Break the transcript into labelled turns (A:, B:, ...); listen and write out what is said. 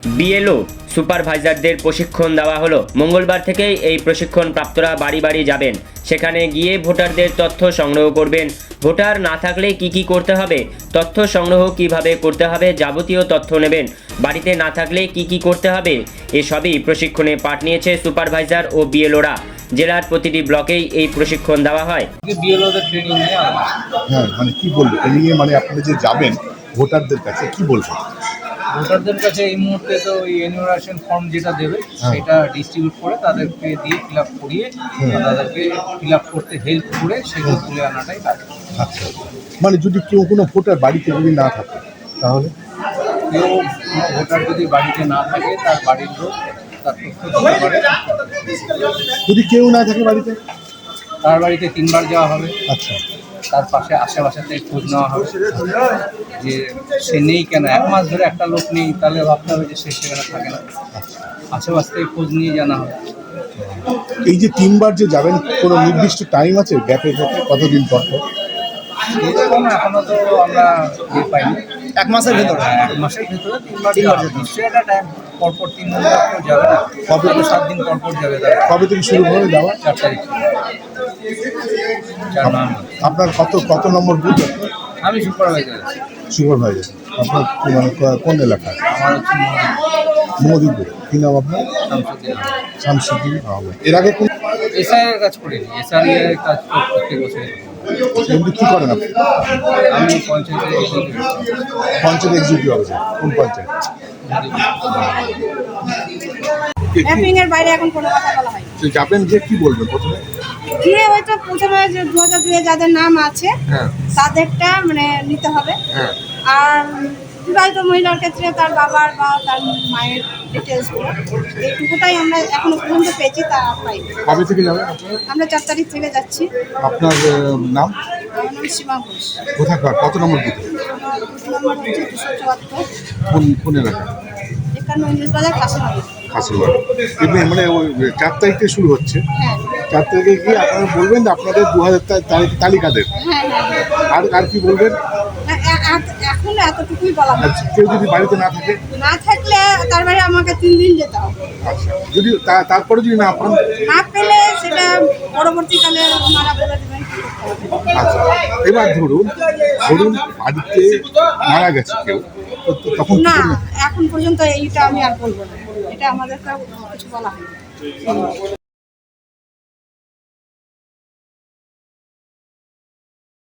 A: BLO সুপারভাইজারদের প্রশিক্ষণ দেওয়া হলো। মঙ্গলবার থেকেই এই প্রশিক্ষণ প্রাপ্তরা বাড়ি বাড়ি যাবেন, সেখানে গিয়ে ভোটারদের তথ্য সংগ্রহ করবেন। ভোটার না থাকলে কি করতে হবে, তথ্য সংগ্রহ কিভাবে করতে হবে, যাবতীয় তথ্য নেবেন। বাড়িতে না থাকলে কি করতে হবে, এসবই প্রশিক্ষণে পাঠ নিয়েছে সুপারভাইজার ও বিএলওরা। জেলার প্রতিটি ব্লকেই এই প্রশিক্ষণ দেওয়া হয়।
B: হ্যাঁ, মানে কি বলবো এই নিয়ে, মানে আপনারা যে যাবেন ভোটারদের কাছে কি বলবেন?
C: ভোটারদের কাছে এই মুহূর্তে তো ওই এনুমারেশন ফর্ম যেটা দেবে সেটা ডিস্ট্রিবিউট করে তাদেরকে দিয়ে ফিল আপ করিয়ে তাদেরকে ফিল আপ করতে হেল্প করে সেগুলো তুলে আনাটাই কাজ।
B: আচ্ছা, মানে যদি কেউ কোনো ভোটার বাড়িতে যদি না থাকে তাহলে
C: কেউ কোনো ভোটার যদি বাড়িতে না থাকে তার বাড়ির লোক তার তথ্য দিতে পারে।
B: যদি কেউ না থাকে বাড়িতে,
C: তার বাড়িতে 3 বার যাওয়া হবে।
B: আচ্ছা,
C: তার পাশে আশেপাশেতে খোঁজ নেওয়া হবে যে সে নেই কেন। 1 মাস ধরে একটা লোক নেই, তাহলে ভাবতে হবে যে সে সেখানে থাকে না। আশেপাশ থেকে খোঁজ নিয়ে জানা হবে।
B: এই যে 3 বার যে যাবেন, কোনো নির্দিষ্ট টাইম আছে গ্যাপের মধ্যে কতদিন পর পর?
C: এরকম এখনো তো আমরা পাইনি।
D: 1 মাসের ভেতরে
C: 1 মাসের ভিতরে 3 বার যাবে। নিশ্চয়ই একটা টাইম পরপর 3 দিন পর যাবে না,
B: কবে?
C: 7 দিন পর যাবে তারা।
B: কবে থেকে শুরু হবে যাওয়া?
C: 4 তারিখ 4 নভেম্বর।
B: আপনার কত নম্বর বুথ?
C: আমি সুপারভাইজার আছি।
B: সুপারভাইজার আপনার মানে কোন এলাকায়?
C: আমার হচ্ছে
B: মোদিপুর। কি নাম আপনার?
C: শামসুদ্দিন আহমেদ।
B: শামসুদ্দিন আহমেদ। এর আগে কোন
C: এসআইয়ের কাজ করিনি, এসআইয়ের কাজ প্রত্যেক বছর
B: এমনি কি করেন আপনি?
C: আমি পঞ্চায়েতের executive।
B: Panchayat executive officer. কোন পঞ্চায়েত?
E: ম্যাপিং এর বাইরে এখন কোনো কথা বলা হয়
B: তো যাবেন যে কি বলবেন প্রথমে?
E: গিয়ে হয়তো প্রথমে যে 2002 যাদের নাম আছে
B: হ্যাঁ
E: তাদেরটা মানে নিতে হবে।
B: হ্যাঁ
E: আর বিবাহিত মহিলার ক্ষেত্রে তার বাবার বা তার মায়ের ডিটেলসগুলো, এইটুকুটাই আমরা এখনো পর্যন্ত পেয়েছি, তা পাইনি।
B: কবে থেকে যাবেন আপনারা?
E: আমরা 4 তারিখ থেকে যাচ্ছি।
B: আপনার নাম?
E: আমার নাম সীমা ঘোষ।
B: কোথাকার, কত নম্বর বুথে?
E: আমার বুথ নম্বর হচ্ছে 274,
B: কোন এলাকা?
E: 51 ইংলিশ বাজার, কাশীনগর।
B: খাসিবাড়ি। এমনি মানে ওই 4 তারিখ থেকে শুরু হচ্ছে।
E: হ্যাঁ
B: 4 তারিখে গিয়ে আপনারা বলবেন যে আপনাদের 2000 তালিকা দেন।
E: হ্যাঁ হ্যাঁ
B: আর কি বলবেন?
E: এখন এতটুকুই বলা
B: আর
E: হচ্ছে।
B: কেউ যদি বাড়িতে না থাকে?
E: না থাকলে তার বাইরে আমাকে 3 দিন যেতে হবে।
B: আচ্ছা, যদি তারপরে যদি না পান?
E: না পেলে সেটা পরবর্তীকালে ওনারা বলে দেবেন কি করতে হবে।
B: আচ্ছা, এবার ধরুন বাড়িতে মারা গেছে কেউ, তখন কি
E: না,
B: করবেন?
E: এখন পর্যন্ত এইটা আমি আর বলবো না, এটা আমাদেরকে কিছু বলা হয়নি।